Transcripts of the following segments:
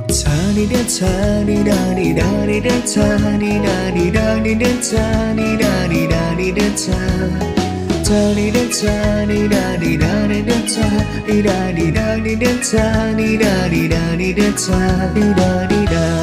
เธอนี่เด้อเธอนี่ดาดีดาดีเด้อเธอนี่ดาดีดาดีเด้อเธอนี่ดาดีดาดีเด้อเธอเธอนี่เด้อเธอนี่ดาดีดาดีเด้อเธอนี่ดาดีดาดีเด้อเธอนี่ดาดีดาดีเด้อเธอนี่ดาดีดา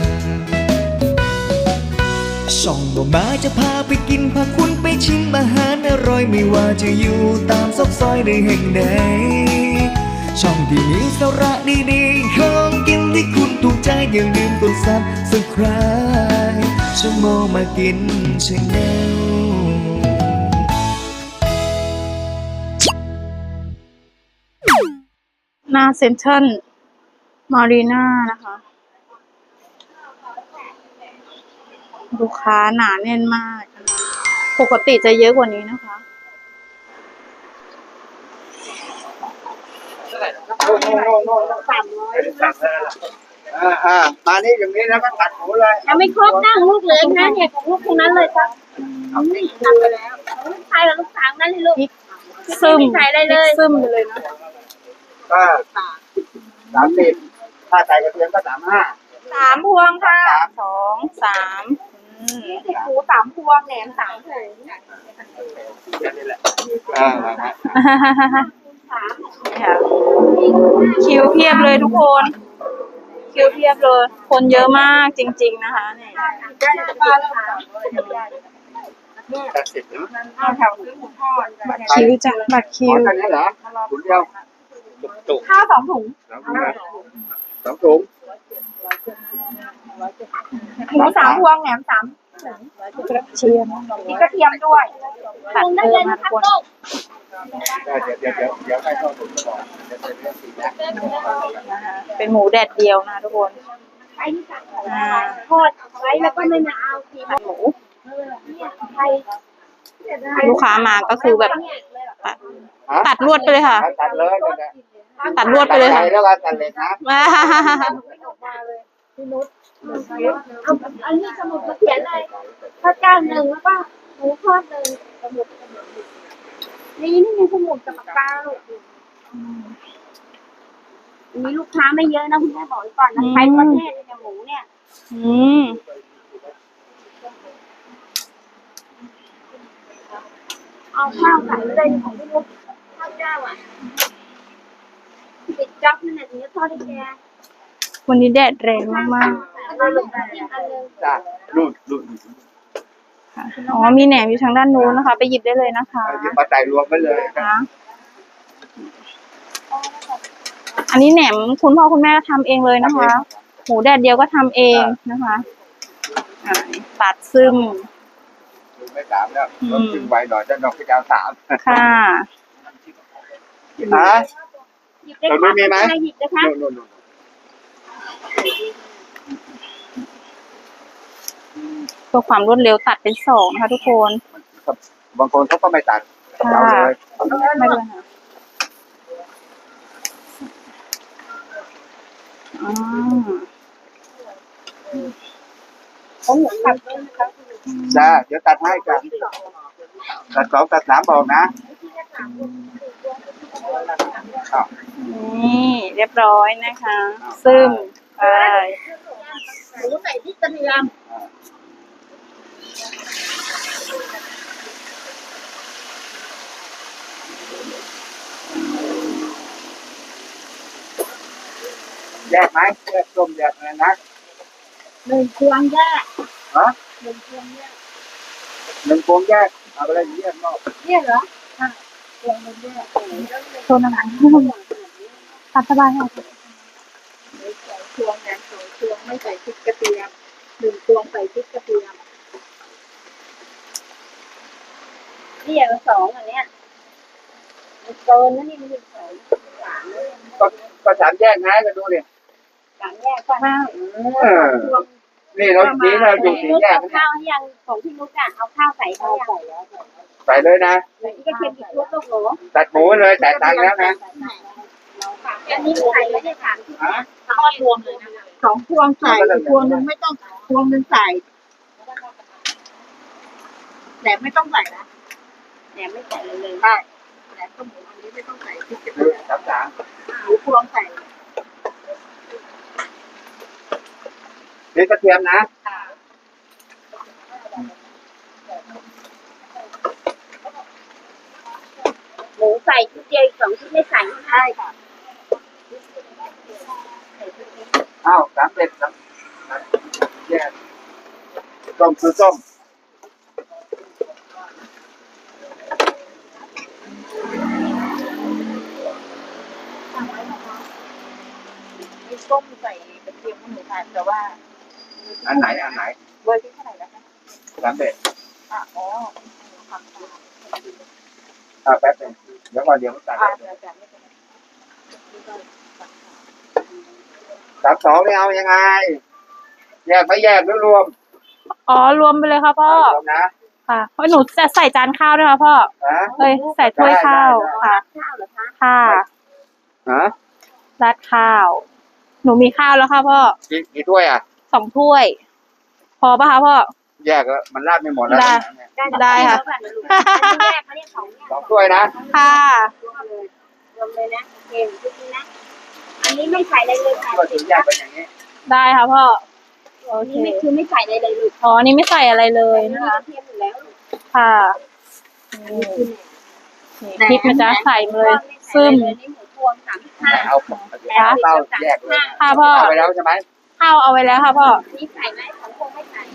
ช่องบ่มาจะพาไปกินพาคุณไปชิมอาหารอร่อยไม่ว่าจะอยู่ตามซอกซอยใดแห่งใดช่องที่มีสาระดีๆของกินที่คุณถูกใจอย่าลืมกดSubscribe ชั่วโมงมากินชาแนลหน้าเซ็นทรัลมารีน่านะคะ ลูกค้าหนาแน่นมากนะคะปกติจะเยอะกว่านี้นะคะมานี่อย่างนี้แล้วก็ตัดหูเลยยังไม่ครบนั่งลูกเล็กนะเนี่ยของลูกทั้งนั้นเลยครับทำไปแล้วลูกชายกับลูกสาวนั่นเลยลูกซึมใส่อะไรเลยซึมไปเลยนะก็30ถ้าใส่กระเทียมก็35 3 พวงค่ะ2 3 ติดหู3 พวงแหนม3 ถุงคิวเพียบเลยทุกคนคิวเพียบเลยคนเยอะมากจริงๆนะคะนี่บัตรคิวจ้ะบัตรคิวเหรอถุงเดียวข้าว2 ถุง 2 ถุงหมู3 พวงแหนม3 ถุงเชียร์มีกระเทียมด้วยตัดเพิ่มนะทุกคนเดี๋ยวให้ข้อมูลก่อนเป็นหมูแดดเดียวนะทุกคนทอดไว้แล้วก็ไม่มาเอาทีหมูลูกค้ามาก็คือแบบตัดลวดไปเลยค่ะตัดเลยตัดลวดไปเลยค่ะแล้วก็ตัดเลยนะเอาอันนี้สมุดมาเขียนเลยข้าวเจ้า1แล้วก็หมูทอด1สมุดนี่ไงสมุดกับปากกาลูกมีลูกค้าไม่เยอะนะคุณแม่บอกไว้ก่อนนะใช้ประเทศเนี่ยหมูเนี่ยเอาข้าวใส่เลยของพี่ลูกข้าวเจ้าอ่ะปิดจ๊อบนั่นแหละถึงจะทอดได้แกวันนี้แดดแรงมากๆจ้ะรูดอ๋อมีแหนมอยู่ทางด้านนู้นนะคะไปหยิบได้เลยนะคะหยิบมาใส่รวมไปเลยนะอันนี้แหนมคุณพ่อคุณแม่ก็ทำเองเลยนะคะหมูแดดเดียวก็ทำเองนะคะตัดซึมไม่3แล้วต้องขึ้นไวหน่อยจะนอกไปดาว3 ค่ะหยิบได้ไหมหยิบนะคะเพื่อความรวดเร็วตัดเป็น2นะคะทุกคนบางคนเขาก็ไม่ตัดค่ะไม่เป็นไรค่ะหมูตัดด้วยนะคะจ้าเดี๋ยวตัดให้จ้ะตัด2ตัด3บอกนะนี่เรียบร้อยนะคะซึมไปหมูใส่พริกกระเทียมแยกไหมแยกต้มแยกอะไรนะ 1 พวงแยก1 พวงแยก 1 พวงแยกเอาไปเลยแยกนอกเนี่ยเหรอพวงแยกโซนอาหารตัดสบายค่ะ 2 พวงนะ2 พวงไม่ใส่พริกกระเทียม1 พวงใส่พริกกระเทียมนี่อย่าง2อันเนี้ยเกินนะนี่มันถึง2 ก็3แยกนะก็ดูดิ 3 แยกก็นี่เราดีเราดู4 แยกข้าวยังของพี่นุ๊กอ่ะเอาข้าวใส่เข้าใส่เลยนะใส่กระเทียมอีกชุดลูกหนูตัดหมูเลยแต่ตังแล้วนะอันนี้ใส่แล้วเนี่ยค่ะทอดรวมเลยนะคะ 2 พวงใส่พวงนึงไม่ต้องพวงนึงใส่แต่ไม่ต้องใส่นะแหนมไม่ใส่เลยได้แต่ต้มหมูอันนี้ไม่ต้องใส่พริกกระเทียม 3 หมูพวงใส่นี่กระเทียมนะหมูใส่ชุดเดียวอีก2 ชุดไม่ใส่ใช่ค่ะอ้าวสามเด็ดครับแยกส้มคือส้มมีส้มใส่กระเทียมหมูทานแต่ว่าอันไหนเบอร์ที่เท่าไหร่นะคะสามเด็ดอ๋อแป๊บนึงเดี๋ยวก่อนเดี๋ยวตัดอาจจะไม่เป็นไรสามสองนี่เอายังไง แยกไม่แยกหรือรวมอ๋อรวมไปเลยค่ะพ่อรวมนะค่ะเพราะหนูจะใส่จานข้าวด้วยค่ะพ่อฮะเอ้ยใส่ถ้วยข้าวค่ะข้าวเหรอคะค่ะฮะราดข้าว หนูมีข้าวแล้วค่ะพ่อกี่ถ้วยอ่ะ 2 ถ้วย พอปะคะพ่อแยกแล้วมันราดไม่หมดแล้วได้ ได้ค่ะแยกเขาเรียกของแยกสองถ้วยนะค่ะรวมเลยนะเค็มชุดนี้นะ อันนี้ไม่ใส่อะไรเลยค่ะถ้วยถึงแยกเป็นอย่างนี้ได้ค่ะพ่อ โออันเคนี้คือไม่ใส่อะไรเลยลูกอ๋อนี่ไม่ใส่อะไรเลยนะคะเทียมอยู่แล้วค่ะนี่พริกนะจ๊ะใส่มาเลย ซึมนี่หมูพวง35 เอาเต้าแยกเลยค่ะพ่อเอาไปแล้วใช่ไหมข้าวเอาไว้แล้วค่ะพ่อนี่ใส่ไหมของพวงไม่ใส่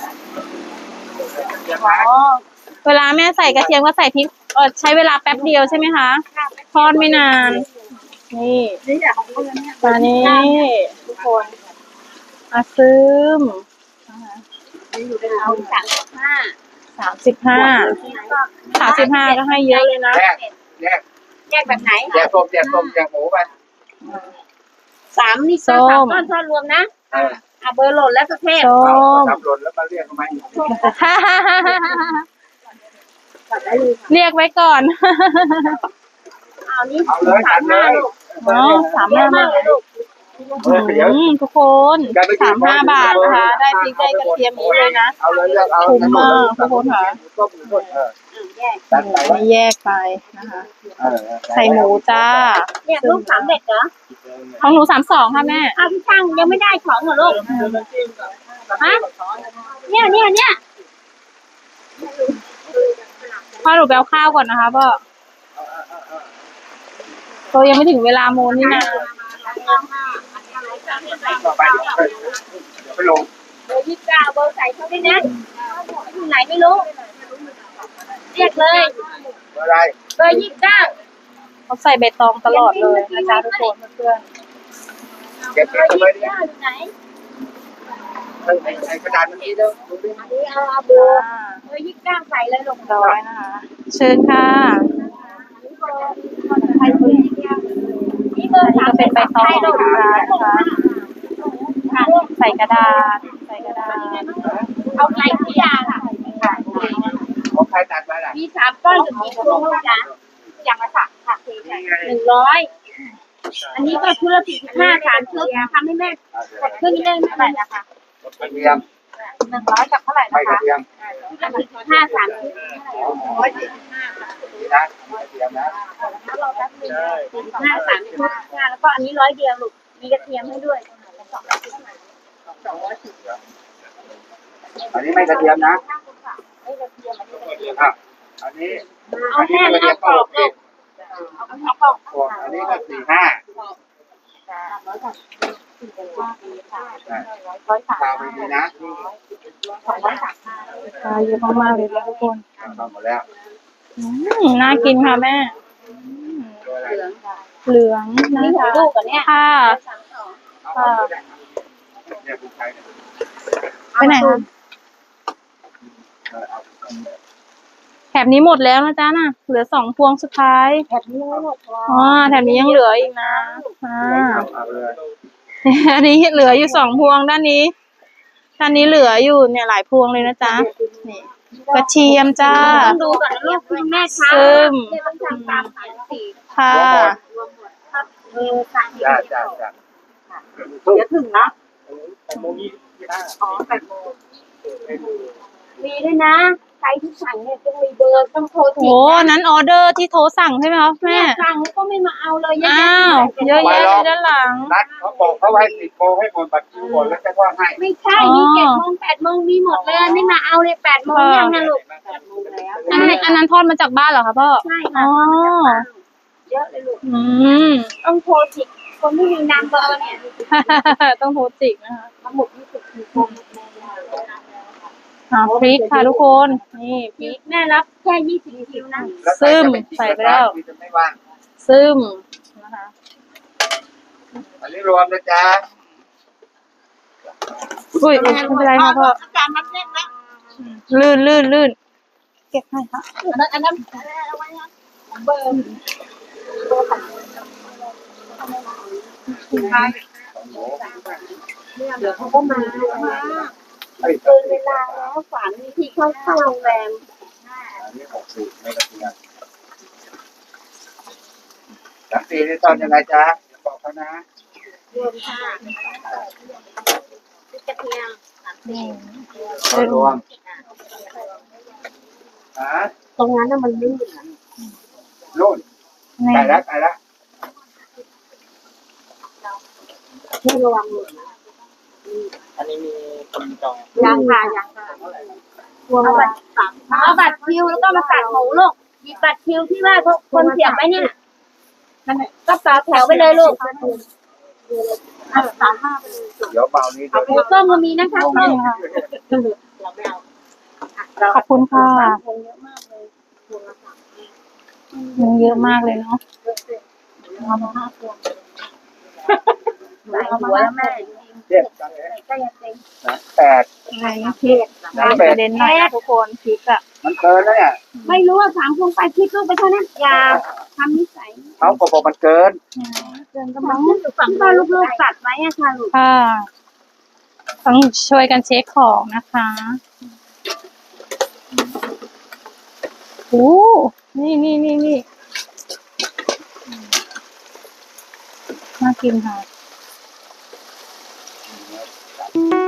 เดี๋ยวอ๋มาอ เวลาแม่ใส่กระเทียมก็ใส่พริกใช้เวลาแป๊บเดียวใช่ไหมคะทอดไม่นาน นี่นี่แหละของเพื่อนเนี่ยมานี่ทุกคนอาซึมอยู่ในเอาเอา 35ก็ให้เยอะเลยนะแยกแยกแบบไหนแยกส้มแยกหมูไป 3นี่ก็ส้ม 3ก้อนทอดรวมนะเออเอาเบอร์โหลดและประเภทส้เอามทำหล่นแล้วมาเรียกทำไมเรียกไว้ก่อนเอานี่เอาเลยตัดเลยอ๋อ35 บาทเลยลูกเดี๋ยวทุกคน35 บาทนะคะ ได้พริกได้กระเทียมนี้เลยนะเอาเลยเลือกเอาคุ้มมากทุกคนค่ะต้มต้นแยกตัดไปไม่แยกไปนะคะ ใส่หมูจ้าเนี่ยลูก3เด็ดเหรอของหนู32ค่ะแม่เอาพี่ช่างยังไม่ได้ของเหรอลูกฮะเนี่ยพ่อหนูไปเอาข้าวก่อนนะคะพ่อโตยังไม่ถึงเวลาโมนนี่นะต่อไปเดี๋ยวไปลงเบอร์29เบอร์ใส่เขาด้วยนะอยู่ไหนไม่รู้ เรียกเลยอะไรเบอร์29 เขาใส่ใบตองตลอดเลยนะจ๊ะทุกคนเพื่อนเก็บเบอร์ไว้ดิ 29อยู่ไหนไอ้กระดานเมื่อกี้เด้อดูดิอันนี้เอาเบอร์29ใส่เลยลงร้อยนะคะ เชิญค่ะใครเบอร์29นี่เบอร์อันนี้ก็เป็นใบตองของทางร้านนะคะ ใส่กระดาษเอาไก่ที่ยาค่ะของใครตัดไปล่ะมี3ก้อนกับมีพวงนะจ๊ะอย่างละ3ค่ะ100อันนี้ก็ชุดละ45 3 ชุดทำให้แม่ครึ่งนึงเท่าไหร่นะคะกระเทียม 100กับเท่าไหร่ไม่นะกระคะเทียมชุดละ45 3 ชุดนี่นะกระเทียมนะ 45 3 ชุดแล้วก็อันนี้100 เดียวลูกมีกระเทียมให้ด้วยอันนี้ไม่กระเทียมนะอันนี้เอาแห้งเอากรอบลูกเอากรอบอันนี้ก็45ข้าวไม่มีนะค่ะเยอะมากๆเลยนะทุกคนทำหมดแล้วน่ากินค่ะแม่ตัวอะไรเหลืองนะนี่หัวคะลูกกับเนี่ยค่ะเนี่ยคุณใครเนี่ยไปไหนคะแถบนี้หมดแล้วนะจ๊ะน่ะ เหลือ2 พวงสุดท้ายแบบนี้หมดอ๋อแถบนี้ยังเหลืออีกนะเอาเลยอันนี้เหลืออยู่2 พวงด้านนี้เหลืออยู่เนี่ยหลายพวงเลยนะจ๊ะนี่กระเทียมจ้าต้องดูก่อนนะลูกคุณแม่ค้าซึมเนี่ยต้องทำ3 3 4 ค่ะจ้าเดี๋ยวถึงนะ 8:25 อ๋อ8 โมงมีด้วยนะรที่สั่งเนี่ยต้องมีเบอร์ต้องโทรติโอ้ดนั้นออเดอร์ที่โทรสั่งใช่ไหมคะแม่สั่งแล้วก็ไม่มาเอาเลยเยอะอ้าว เยอะแยะเลยด้านหลังนัดเขาบอกเขาไว้10 โมงให้หมดบัตรคิวหมดแล้วจะว่าให้ไม่ใช่มี7 โมง 8 โมงมีหมดเลยไม่มาเอาเลย8 โมงยังนะลูกอันนั้นทอดมาจากบ้านเหรอคะพ่อใช่อ๋ค่ะอเยอะเลยลูกอืมต้องโทรติดคนที่มีนัมเบอร์เนี่ยต้องโทรจิกนะคะทั้งหมด24 คนพริกค่ะทุกคน นี่พริกแม่รับแค่20 คิวนะแล้วซึมจะกินใส่ไปแล้วจะไม่ว่างซึมนะคะอันนี้รวมนะจ๊ะอุ้ยไม่เป็นไรค่ะพ่ออาจารย์มันเล่นนะลื่น เก็บให้ค่ะอันนั้นเอาไว้นะเบอร์เนี่ยเดี๋ยวเขาก็มาเกินเวลาแล้วฝันที่เข้าโรงแรมอันนี้60ไม่ต้องกินนะจับตีนี่ตอนยังไงจ๊ะอย่าบอกเขานะรวมค่ะพริกกระเทียมรวมฮะตรงนั้นน่ะมันลื่นรุ่นนี่ไก่ละไก่ละที่ระวังมืออันนี้มีคนจองยังค่ะยังค่ะเอาบัตรคิวแล้วก็มาตัดหมูลูกหยิบบัตรคิวที่ว่าคนเสียบไว้เนี่ยนั่นแหละก็ต่อแถวไปเลยลูก35ไปเลยเดี๋ยวเบานี้หมูส้มก็มีนะคะส้มขอบคุณค่ะคนเยอะมากเลยมันเยอะมากเลยเนาะใส่หัวแล้วแม่เจ็ดจังเลยใกล้จะเต็ม 8 อะไรนะพริกประเด็นหน่อยนะทุกคนพริกอะมันเกินแล้วเนี่ยไม่รู้ว่าถามคงไปคิดลูกไปเท่านั้นอย่าทำนิสัยเขาก็บอกมันเกินเกินกำลังที่ว่าลูกๆตัดไว้อะค่ะลูกค่ะต้องช่วยกันเช็คของนะคะโอ้นี่น่ากินค่ะ